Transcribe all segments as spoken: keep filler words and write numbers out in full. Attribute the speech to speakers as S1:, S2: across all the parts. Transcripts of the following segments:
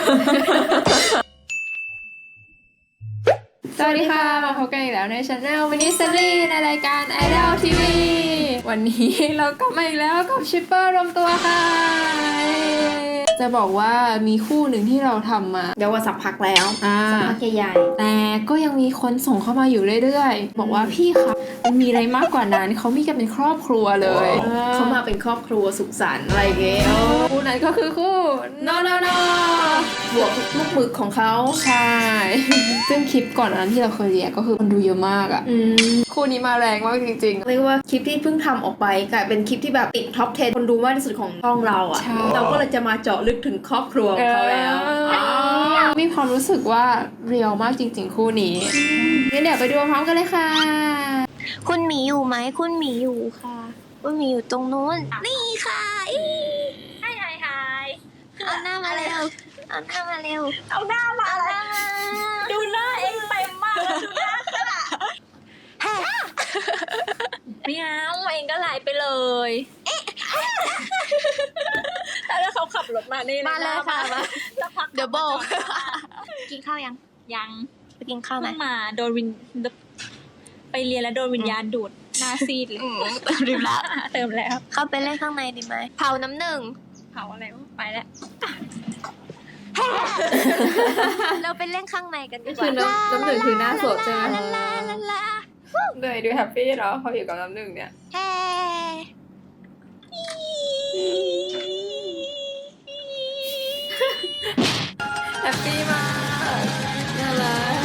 S1: สวัสดีค่ะมาพบกันอีกแล้วในช anel มินิซีรีส์ในรายการ Idol ที วี วันนี้เราก็มาอีกแล้วกับชิปเปอร์รวมตัวค่ะจะบอกว่ามีคู่หนึ่งที่เราทำมาเดี๋ยวว่าสักพักแล้วสักพักใหญ่ๆแต่ก็ยังมีคนส่งเข้ามาอยู่เรื่อยๆบอกว่าพี่คะมันมีอะไรมากกว่านั้นเขามีกันเป็นครอบครัวเลยเขามาเป็นครอบครัวสุขสันต์อะไรเงี้ยคู่นั้นก็คือคู่นอนนบวกลูกหมึกของเขาใช่ซึ่งคลิปก่อนนั้นที่เราเคยเรียกก็คือคนดูเยอะมากอ่ะคู่นี้มาแรงมากจริงๆเรียกว่าคลิปที่เพิ่งทำออกไปกลายเป็นคลิปที่แบบติดท็อปสิบคนดูมากที่สุดของช่องเราอ่ะเราก็เลยจะมาเจาะลึกถึงครอบครัวของเขาแล้วมีความรู้สึกว่าเรียลมากจริงๆคู่นี้งั้นเดี๋ยวไปดูพร้อมกันเลยค่ะ
S2: คุณหมีอยู่ไหมคุณหมีอยู่ค่ะคุณหมีอยู่ตรงนู้นนี่ค่ะอีไฮไฮไฮเอาหน้ามาเร็วเอาหน้ามาเร็วเอาหน้ามาอะไรดูหน้าเองเต็มมากดูหน้าค่ะไม่เอาเองก็ไหลไปเลยแล้วเขาขับรถมานี่มาเลยค่ะมาเดี๋ยวบอกกินข้าวยังยังไปกินข้าวไหมมาโดนวินไปเรียนแล้วโดนวิญญาณดูดหน้าซีดเลยเติมแล้วเติมแล้วเข้าไปเล่นข้างในดีไหมเผาน้ำหนึ่งเผาอะไรไปแล้วเราไปเล่นข้างในกันดีกว่า
S1: คือน้ำน้ำหนึ่งคือหน้าสดใช่ไหมเหนื่อยดูแฮปปี้เนาะเขาอยู่กับน้ำหนึ่งเนี่ยแฮปปี้มากน่ารัก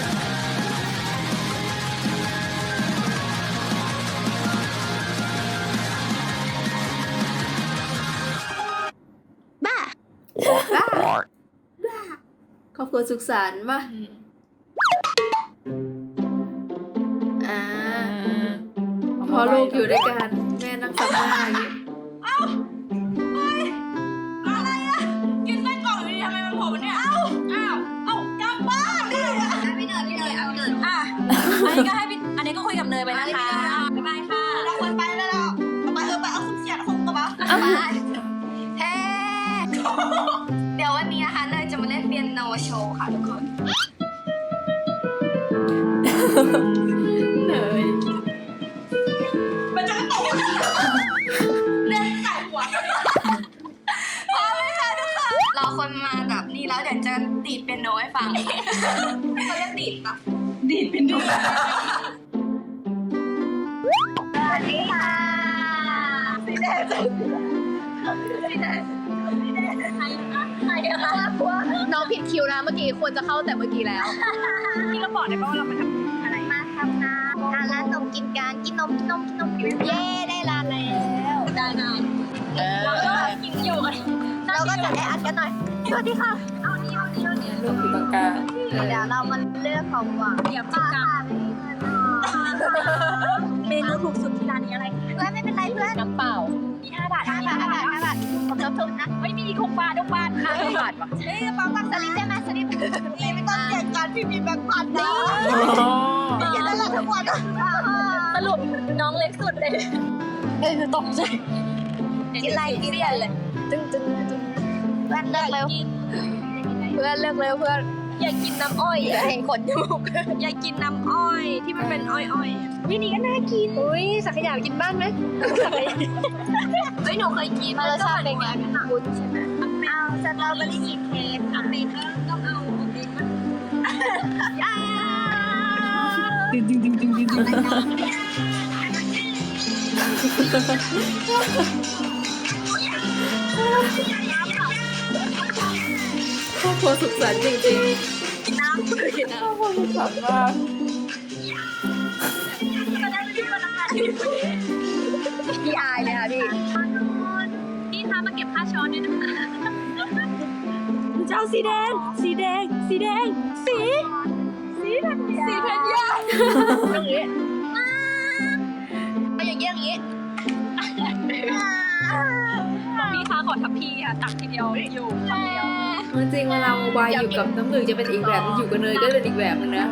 S2: บ้า
S1: บ้าครอบครัวสุขสันต์ป่ะอ่าพอลูกอยู่ด้วยกันแม่นั่งสัมภาษณ์อย่างนี้
S3: เอ้าเฮ้ยอะไรอะกินไส้กรอกอยู่ดีทำไมมันโผล่มาเนี่ยเอ้าอ้าวเอ้ากลับบ้านดิพี่เนยพี่เนยเอาเนยอ่ะอันนี้ก็ให้พี่อันนี้ก็คุยกับเนยไปนะคะบ๊ายบายค่ะเราควรไปแล้วเราไปเออไปเอาคุณเสียดคุณกระเป๋า
S2: เฮ้เดี๋ยววันนี้นะคะเนยจะมาเล่นเปียโนโชว์ค่ะทุกคน
S1: เนย
S3: มันจะตกเล่นใส่หัว
S2: พร้อมไหมคะทุกคนรอคนมาแบบนี้แล้วเดี๋ยวจะดีดเปียโนให้ฟังเขาเรียกดีดปะ
S3: ดีดเป็นดู
S2: สวัสดีค่ะสีแดงสีแดงสีแดงใครคะใครคะ
S1: น้องผิดคิวนะเมื่อกี้ควรจะเข้าแต่เมื่อกี้แล้ว
S3: พี่เราบอกได้ป่ะว่าเรามาทำอะไร
S2: มาทำน้ำทานร้านนมกินกันกินนมกินนมกินนมเย้ได้ร้านแล้ว
S3: ได้นานเราก็กินอยู่กัน
S2: เราก็จะได้อัดกันหน่อยสวัสดีค่ะเอานี่เอานี่เอานี่
S1: ลูกอยู่ตรงกลาง
S2: เดี๋ยวเรามาเลือกของหวาน
S3: เดี๋ยวป้าเมนูถูกสุดที่ร้านนี้อะไร
S2: เพื่อนไม่เป็นไรเพื่อน
S1: น้ำเปล่า
S3: มีห้าบาท
S2: ห้าบาทห้าบาทห้าบาทผมจะทุนนะ
S3: ไม่มีหกบาทหกบาท
S1: ห้าบาทวะ
S3: เอ้ยป้าป้า
S2: สลิปได้ไหมสลิป
S3: นี่ไม่ต้องเสียการพี่มีแบงค์พันนะ
S2: เขียนอะไรทั้งวัน
S3: สรุปน้องเล็กสุดเลยเอ้ยตกใจ
S2: กินอะไรกินเลยจึงจึงจึงเพื่อนเลิกเร็วเพื่อนเลิกเร็วเพื่อน
S3: อยากกินน้ำอ้อย
S2: อยากเห็นขนจมูก
S3: อยากกินน้ำอ้อยที่มันเป็นอ้อยอ้อยวินี่ก็น่ากิน
S2: อุ้ยสักขยากินบ้านไหม
S3: เฮ้ยหนูเคยกิน
S2: รสชาติเป็นไงบุญใช่ไหมเอาสตรอเบอรี่ชีสเค้ก
S3: ทำเองต้องเอาของเองมั้ย
S1: ดึงดึงดึงดึงดึงดึงครอบครัวสุขสันต์จริงๆ
S2: น้ำคือ
S1: ครอบครัวสุขสันต์มาก
S2: พี่อายเลยค่ะพี่
S3: พี่ทำมาเก็บค่าช้อนด้วยนะคะเจ้าสีแดงสีแดงสีแดงสีสีธัญญาสีธัญญา
S2: อย่างนี้เอาอย่างนี้อย่างนี้
S3: พี่คะขอทับพี่ค่ะตักทีเดียวอยู่คำเดียว
S1: จริงเวลาโมบายอยู่กับน้ำหนึ่งจะเป็นอีกแบบอยู่กับเนยก็เป็นอีกแบบนึงนะ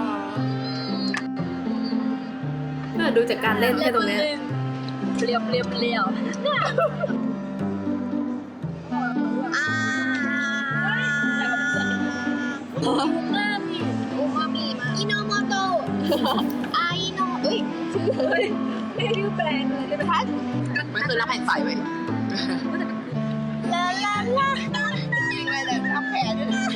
S1: น่าดูจากการเล่นแค่ตรงนี้
S3: เปรี้ยวเปรี้ยวเปรี้ยว
S2: อ่าไอโนเอ้ยไม่ได้แปลงเลยได้ไหมคะ
S4: มันคือรับแผ่นใสไว้
S2: ลาลาลา
S4: จริงเลยแต่ทำแผลด้วยนะ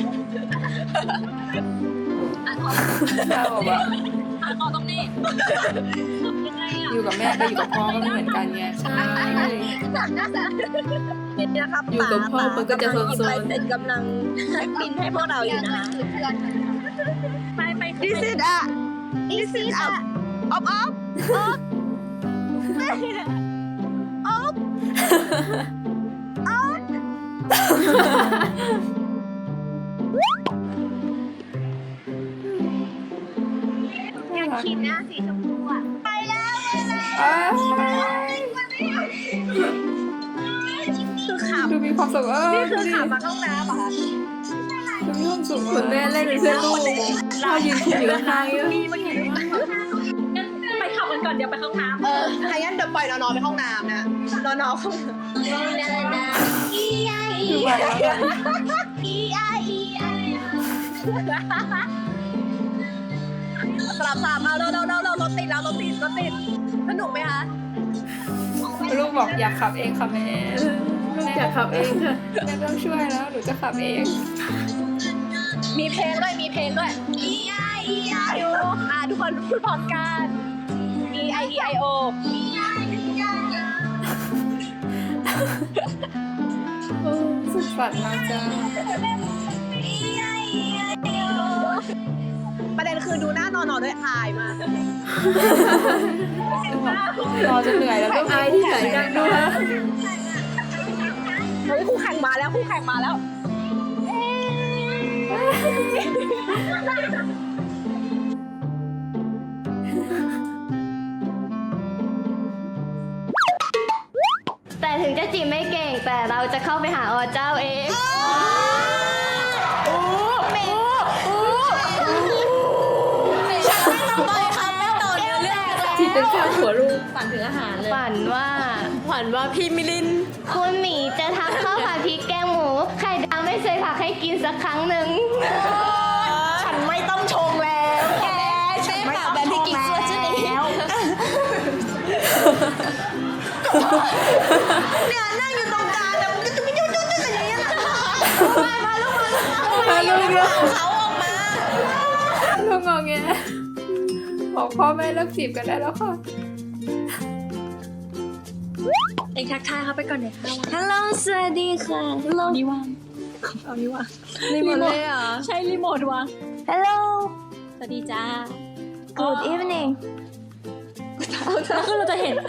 S1: เราแบบว่า
S3: อ่ะขอตรงนี้ยังไงอ่ะ
S1: อยู่กับแม่กับอยู่กับพ่อก็ไม่เหมือนกันไงใช่
S2: หนักนะจ๊ะนี่นะครับ
S1: อยู่กับพ่อมันก็จะโซนๆ
S2: กำลังหยิบลายเซ็นกำลังบินให้พวกเราอยู่นะคะ
S3: ไปไป
S2: This is a This is a Up up Up Up Up อยากขีดหน้าสีชมพูอ่ะไปแล้วไปแล้ว
S1: อ้าว
S2: คือข
S1: ดูมีความสุขเออ
S2: ำนี่
S1: ดู
S2: คือ
S1: ดิ
S2: ขำมาห้องน้ำเหรอคะ
S1: ดูมีความสุขเหมือนแม่เล่นเป็นเพื่อนลูกเรายืนคุยอยู่ข้างๆอยู่
S3: มีเมื่อกี้งั้นไปขับกันก่อนเดี๋ยวไปห้องน้ำ
S4: เออถ้างั้นเดี๋ยวปล่อยนอนๆไปห้องน้ำนะนอนๆเข้า
S2: อีไออี
S1: ดูไปแล้วกัน
S2: อีไออีไอ
S4: สลับสามเอาเร็วเร็วเร็วเร็วรถติดแล้วรถติดรถติดสนุกไหมคะ
S1: ลูกบอกอยากขับเองค่ะแม่ลูกอยากขับเองค่ะแม่ไม่ต้องช่วยแล้วหนูจะขับเอง
S4: มีเพลงด้วยมีเพลงด้วย
S2: อีไออีไอ
S4: อ่ะทุกคนพูดพร้อมกัน E I E I O
S1: เออสุดฝันมากจ้า
S4: ประเด็นคือดูหน้านอนๆด้วยอายมาก
S1: รอจนเหนื่อยแล้วก็อายที่ไหนกันด้วย
S4: เฮ้ยคู่แข่งมาแล้วคู่แข่งมาแล้ว
S2: แต่ถึงจะจีบไม่เก่งแต่เราจะเข้าไปหาอเจ้าเอง
S1: ที่เป็นข้าวหัวลูกฝันถึงอาหารเลย
S2: ฝันว่า
S4: ฝันว่าพี่มิลิน
S2: คุณหมีจะทำข้าวผัดพริกแกงหมูไข่ดาวไม่เคยผักให้กินสักครั้งหนึ่ง
S4: ฉันไม่ต้องชงแล้วแกฉันไม่ต้องชงแล้วเนี่ยนั่งอยู่ตรงกลางแล้วมันก็จะไม่ยุ่งยุ่งยุ่งอย่างนี้นะมามาลูกมา
S1: พาลูกลูก
S4: เขาออกมา
S1: ลูกงอแงบอกพ่อแม่เลิกจีบกันได้แล้วค่ะ
S3: เองทักทายเขาไปก่อนเดี๋ยวค่ะ
S2: ฮัลโหลสวัสดีค่ะฮัลโหล
S3: นี่ว่างเอานี่ว่าง
S4: รีโมทเลยเหรอ
S3: ใช่รีโมทวาง
S2: ฮัลโหล
S3: สวัสดีจ้า
S2: Good evening
S3: แล้วคือเราจะเห็น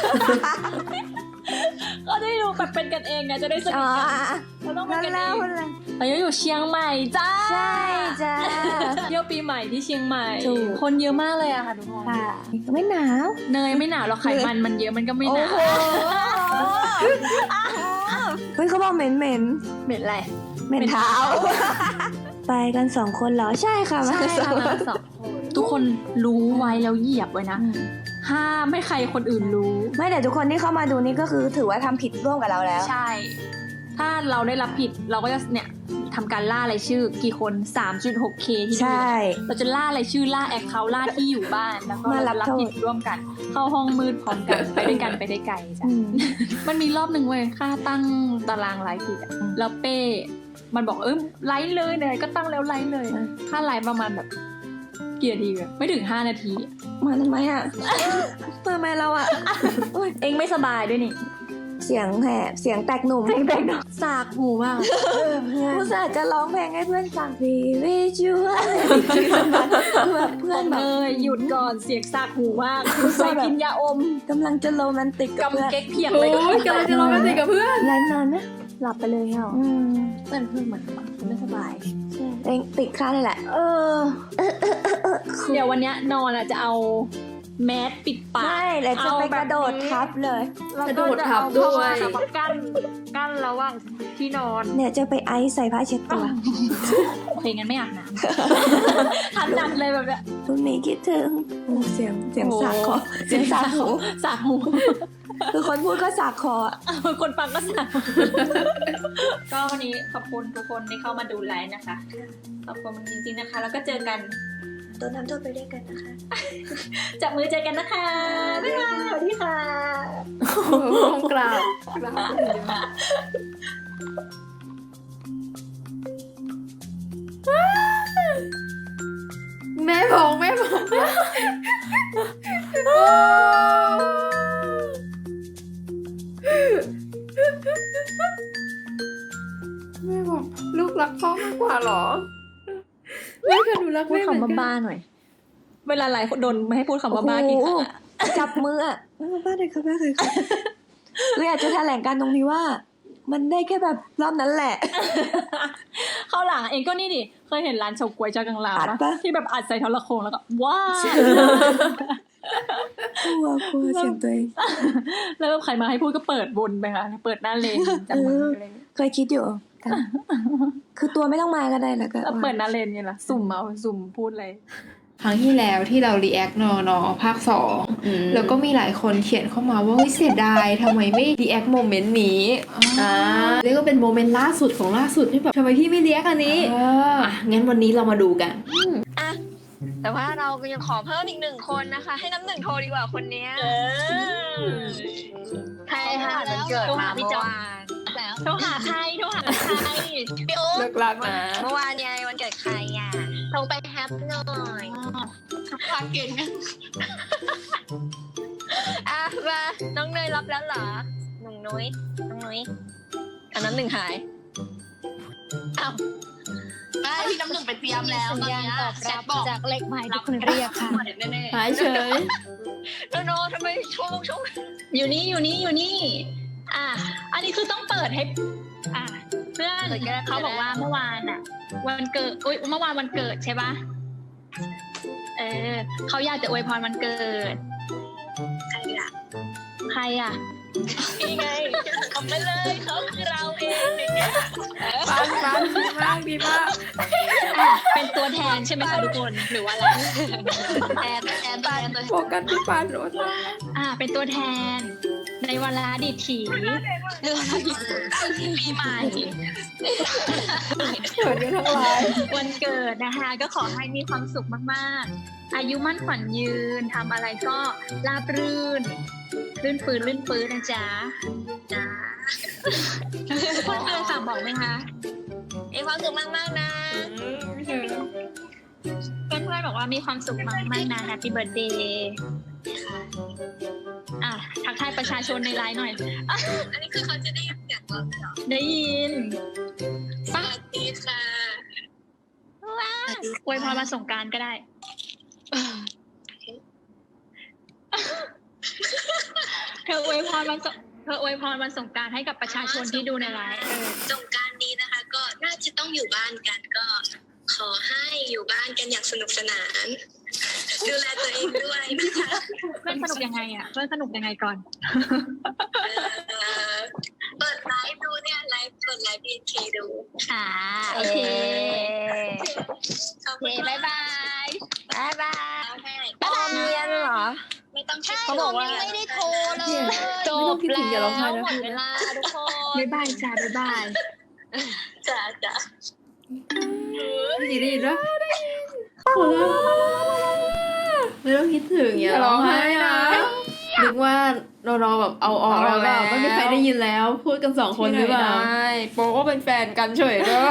S3: ก็ได้ดูแบบเป็นกันเองไงจะได้สนิ
S2: อ๋
S3: ท
S2: อ
S3: กันเราต้องเป็นกันเอง
S2: ฮัลโหล
S3: เราอยู่เชียงใหม่จ้า
S2: ใช่จ้า
S3: เที่ยวปีใหม่ที่เชียงใหม่
S2: ถูก
S3: คนเยอะมากเลยอะค่ะทุกคน
S2: ค่ะไม่หนาว
S3: เนยไม่หนาวหรอกไขมันมันเยอะมันก็ไม่หนาว
S2: เฮ้ยเขาบอกเหม็นเหม็น
S3: เหม็นอะไร
S2: เหม็นเท้า ไปกันสองคนเหรอใช่ค่ะมา
S3: ใช่
S2: กันสอ
S3: ค่ะ
S2: งค
S3: มาน สองคนทุกคนรู้ไว้แล้วเหยียบไว้นะ ห้ามไม่ใครคนอื่นรู้
S2: ไม่แต่ทุกคนที่เข้ามาดูนี่ก็คือถือว่าทำผิดร่วมกับเราแล้ว
S3: ใช่ ถ้าเราได้รับผิดเราก็จะเนี่ยทำการล่ารายชื่อกี่คน สามจุดหกเค ที่
S2: ใช่
S3: ดูเราจะล่ารายชื่อล่าแอคเคาท์ล่าที่อยู่บ้านแล้วก็
S2: มารับ
S3: รับ
S2: โทษ
S3: ผิดร่วมกัน เข้าห้องมืดพร้อมกันไปด้วยกันไปได้ไกลจ้ะ
S2: อืม
S3: มันมีรอบหนึ่งเว้ยค่าตั้งตารางไลฟ์ผิดอะแล้วเป้ มันบอกเออไลฟ์เลยไหนก็ตั้งแล้วไลฟ์เลยค่าไลฟ์ประมาณแบบกี่นาทีอะไม่ถึงห้านาทีอะ
S2: มาทำไมอ่ะ มาทำไมเราอ่ะ
S3: เองไม่สบายด้วยนี่
S2: เสียงแหบเสียงแตกหนุ่ม
S3: สากหูมาก
S2: ผู้สาจะร้องเพลงให้เพื่อนฟัง We wish you แบบเพื่อนแบ
S3: เน
S2: บ
S3: ยหยุดก่อนเสียงสากหูมากไปกินยาอม
S2: กำลังจะโรแมนติกกับเพื่อน
S3: กำเก๊กเพียง
S1: โอ้
S3: เลย
S1: ยกำลังจะร้องกันติกับเพื่อน
S2: ไลฟ์นานนะหลับไปเลยเหรออืม
S3: เพื่อนเพื่อนเหมือนไม่สบาย
S2: เองติดค่าเลยแหละ เออ
S3: เดี๋ยววันเนี้ยนอนอ่ะจะเอาแมสปิดปาก
S2: ไม่แล้วจะไปกระโดดทับเลย
S3: แล้ว
S1: กระ
S3: ก็
S1: โดด
S3: จะ
S1: ทั
S3: เอา
S1: บด้วย
S3: ผ้ามากั้นกั้นระหว่างที่นอน
S2: เนี่ยจะไปไอซ์ใส่ผ้าเช็ดตัว
S3: โอเคงั้นไม่อาบน้ำ ทันดันเลยแบบเนี้ย
S2: คุณหมีคิดถึงโอ้เสียงเสียง
S3: โอ้
S2: สากคอเสียงสากหู
S3: สากหู
S2: คือคนพูดก็สากคออะ
S3: คนฟังก็สากก็วันนี้ขอบคุณทุกคนที่เข้ามาดูไลฟ์นะคะขอบคุณจริงๆนะคะ แล้วก็เจอกัน
S2: โดนทำโทษไปด้วยกันนะคะ
S3: จับมือเจอกันนะคะบ๊ายบายสวัสดีค่ะ
S1: กราบกราบแม่พงแม่พงโอ้แม่บอกลูกรักพ่อมากกว่าเหรอแม่ค่ะหนูรัก
S3: พูด
S1: แม่เหมือน
S3: คำว่า
S1: กัน
S3: บ้าหน่อย เวลาไลฟ์โดนไม่ให้พูดคำว่าบ้ากี่ครั้งอะ
S2: จับมืออ่ะบ้าเลยค่ะบ้าเลยค่ะเลยอยากจะแถลงการตรงนี้ว่า มันได้แค่แบบรอบนั้นแหละ
S3: เข้าหลังเองก็นี่ดิเคยเห็นร้านเฉาก๊วยจากังลาว
S2: อัด
S3: ปะ
S2: ปะ
S3: ที่แบบอัดใส่โทรโขงแล้วก็ว้าว
S2: กลัวกลัวเสียงตัวเอง
S3: แล้วแบบใครมาให้พูดก็เปิดบนไปค่ะเปิดหน้าเลนจับมืออะไรอย่างเงี้ย
S2: เคยคิดอยู่แต่คือตัวไม่ต้องมาก็ได้แล้วก็
S3: แล้วเปิดหน้าเลนไงล่ะสุ่มเอาสุ่มพูดอะไร
S1: ครั้งที่แล้วที่เรา react นอนอภาคสองแล้วก็มีหลายคนเขียนเข้ามาว่าเฮ้ยเสียดายทำไมไม่ react โมเมนต์นี้อ่าเรียกว่าเป็นโมเมนต์ล่าสุดของล่าสุดที่แบบทำไมพี่ไม่ react อันนี้อ่ะงั้นวันนี้เรามาดูกัน
S2: แต่ว่าเราก็ยังขอเพิ่มอีกหนึ่งคนนะคะ ให้น้ำหนึ่งโทรดีกว่าคนเนี้ยใครค่ะมันเกิดมาเมื่อวานแล้ว
S3: โทรหาใครโทรหาใคร
S2: พี่อุ๊บ
S1: เลิกรักนะ
S2: เมื่อวานไงวันเกิดใครอ่ะโทรไปแฮปหน่อยฝากเก่งนะอ่ะมาน้องเนยรับแล้วเหรอหนุ่งนุ้ยน้องนุ้ยอันน้ำหนึ่งหายอ้าวได้พี่น้ำหนึ่งไปเตรียมแล้วตอนนี้ตอบรับจากเล็กไม้ที่คุณเรียกค่ะ
S1: หายเฉย
S2: โนโนทำไมช่วงช่วง
S3: อยู่นี่อยู่นี่อยู่นี่อ่ะอันนี้คือต้องเปิดให้อ่ะเพื่อนเขาบอกว่าเมื่อวานอ่ะ วันเกิดอุ้ยเมื่อวานวันเกิดใช่ปะเออเขาอยากจะอวยพรวันเกิด
S2: ใครอ่ะ
S3: ใครอ่ะ
S2: นี่ไงทำไปเลยเขาคือเราเองเนี่ย
S1: ปันปันดีมากดีมาก
S3: อ่ะเป็นตัวแทนใช่ไหมคะทุกคนหรือว่าอะไร
S2: แอนแอนแอนตัว
S1: โฟกัสที่ปันโอ้ตาย
S3: อ่า เป็นตัวแทน ในวันละดิถี
S2: เรื่องปีใหม่
S1: เกิดกันทั้งหลาย
S3: วันเกิดนะคะ ก็ขอให้มีความสุขมากๆ อายุมั่นขวัญยืนทำอะไรก็ราบรื่นลื่นปืนลื่นปืนนะจ๊ะ
S2: จ้า
S3: เพื่อนเพื่อนฝากบอกไหมคะ
S2: มีความสุขมากๆนะ
S3: เพื่อนเพื่อนๆบอกว่ามีความสุขมากๆนะ Happy Birthday อ่ะทักทายประชาชนในไลน์หน่อยอ่ะ
S2: อันนี้คือเขาจะได้ยินเสียงเราเหรอ
S3: ได้ยิน
S2: สวัสดีค่ะ
S3: อวยพรมาสงกรานต์ก็ได้ เธออวยพรวันสงเธออวยพรวันสงกรานต์ให้กับประชาชนที่ดูในไลฟ์เออ
S2: สงกรารนี้นะคะ ก็น่าจะต้องอยู่บ้านกันก็ ขอให้อยู่บ้านกันอย่างสนุกสนาน ดูแลตัวเองด้วยนะคะ
S3: เพื่อนสนุกยังไงอ่ะเพื่อนสนุกยังไงก่อน
S2: เอ่อเปิดไลฟ์ดูเนี่ยไลฟ์เปิดไลฟ์บีเคดู
S3: อ่าโอเค
S2: โอเคบ๊ายบายบ๊ายบายบ๊ายบายเรียนเหรอไม่ต้องเขาบอกว่าไม่ได้โทรเลย
S1: จบแล้วอย่าร้องไห้นะ
S2: หมดเวลาทุกคน
S3: บ๊ายบายจ้าบ๊ายบาย
S2: จ้าจ้า
S1: ดีดีนะโอ้ไม่ต้องคิดถึงอย่าร้องไห้นะนึกว่าเราเราแบบเอาออกแล้วแบบไม่มีใครได้ยินแล้ว พูดกันสองคนหรือเปล่าโป๊ก็เป็นแฟนกันเฉยด้วย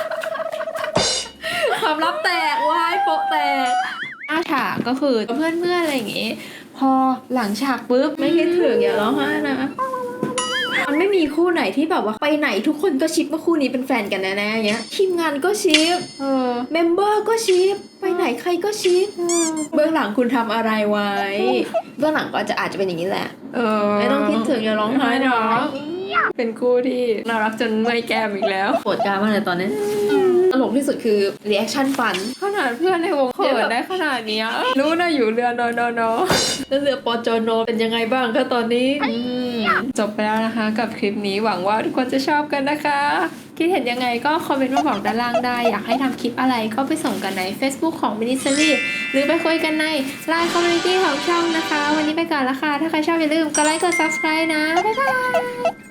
S1: ความลับแตกว้ายโป๊แตกหน้าฉากก็คือเพื่อนเพื่อนอะไรอย่างงี้ พอหลังฉากปุ๊บไม่คิดถึงอย่าร้องไห้นะมันไม่มีคู่ไหนที่แบบว่าไปไหนทุกคนก็ชิปว่าคู่นี้เป็นแฟนกันแน่ๆอย่างเงี้ยทีมงานก็ชิปเออเมมเบอร์ก็ชิปไปไหนใครก็ชิปเบื้องหลังคุณทำอะไรไว้เบื้องหลังก็จะอาจจะเป็นอย่างนี้แหละเออไม่ต้องคิดถึงอย่าร้องไห้เนาะเป็นคู่ที่น่ารักจนเมื่อยแก้มอีกแล้วปวดกล้ามากเลยตอนนี้ตลกที่สุดคือรีแอคชั่นฟันขนาดเพื่อนในวงเขินได้ขนาดนี้รู้นะอยู่เรือนอนอนแล้วเรือปอจอนเป็นยังไงบ้างคะตอนนี้จบไปแล้วนะคะกับคลิปนี้หวังว่าทุกคนจะชอบกันนะคะคิดเห็นยังไงก็คอมเมนต์มาบอกด้านล่างได้อยากให้ทำคลิปอะไรก็ไปส่งกันใน Facebook ของ Ministry หรือไปคุยกันใน ไลน์ Community ของช่องนะคะวันนี้ไปก่อนละค่ะถ้าใครชอบอย่าลืมกดไลค์กด ซับสไครบ์ นะบ๊ายบาย